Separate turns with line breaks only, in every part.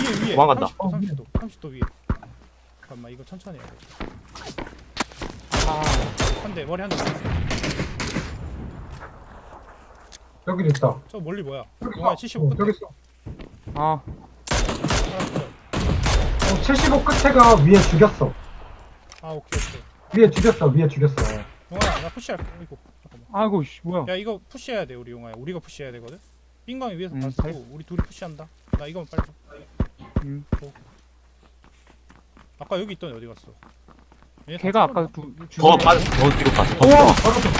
위에
도망간다.
30도 30도 위에. 잠깐만 이거 천천히 해야 돼. 한 대 머리 한 대.
여기도 있다.
저 멀리 뭐야?
여기
영화에
있어.
75 끝에.
여기 있어.
아,
75 끝에가 위에 죽였어.
아 오케이 오케이.
위에 죽였어. 위에 죽였어.
용아야 나 푸시할게. 이거 잠깐만.
아이고, 씨, 뭐야.
야 이거 푸시해야 돼 우리 용아야. 우리가 푸시해야 되거든. 빙광이 위에서
음,
봤고 우리 둘이 푸시한다. 나 이거만 빨리 줘. 아까 여기 있던 어디 갔어? 얘네 다
걔가
죽었나?
아까
더 빠져, 더 뒤로 가서 더
우와!
들어가.
바로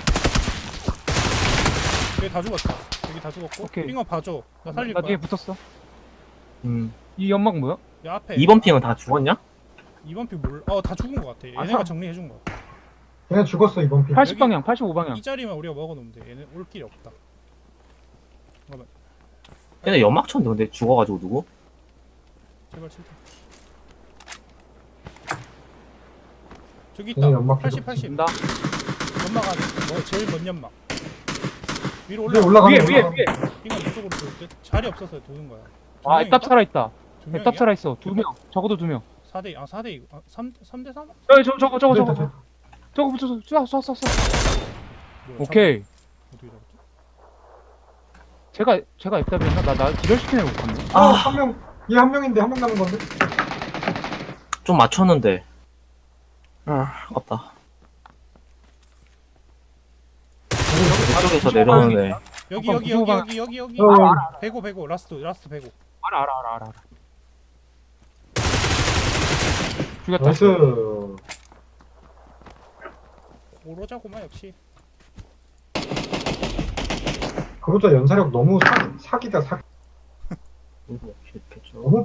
여기 다 죽었다. 여기 다 죽었고.
오케이.
빙광 봐줘. 나 살릴
나
거야.
뒤에 붙었어.
음.
이 연막 뭐야?
야 앞에.
2번 핑은 다 죽었냐?
2번 피 몰라. 다 죽은 거 같아. 얘네가
사-
정리해 준 거.
얘네 죽었어 이번 피.
80방향, 85방향.
이 자리만 우리가 먹어놓으면 돼. 얘네 올 길이 없다. 잠깐만.
얘네 연막 쳤는데 근데 죽어가지고 누구?
제발 칠탄 저기 있다.
얘네 연막
80
계속
80.
된다.
연막 안에. 제일 먼 연막. 위로
위에
올라.
올라가는
위에,
거.
위에, 위에.
빙광 이쪽으로 돌 듯. 자리 없어서 도는 거야.
아, 애답 살아있다.
두
애답 살아있어. 2명. 적어도 2명.
4대 4대 3대 3?
저거. 저거 붙여서 쏴.
뭐야,
오케이.
어떻게 잡았지?
제가 애답이었나? 나 기절시키는 거 같네.
아,
아.
한 명. 얘 한 명인데 한 명 남은 건데.
좀 맞췄는데. 아, 아깝다. 저쪽에서 내려오는 애.
여기
잠깐,
여기 여기
구조가-
여기 여기
어,
배고 라스트 배고.
알아. 죽였다.
나이스.
오로자고만 역시.
그보다 연사력 너무 사기다 사기.
이렇게 좀.
너무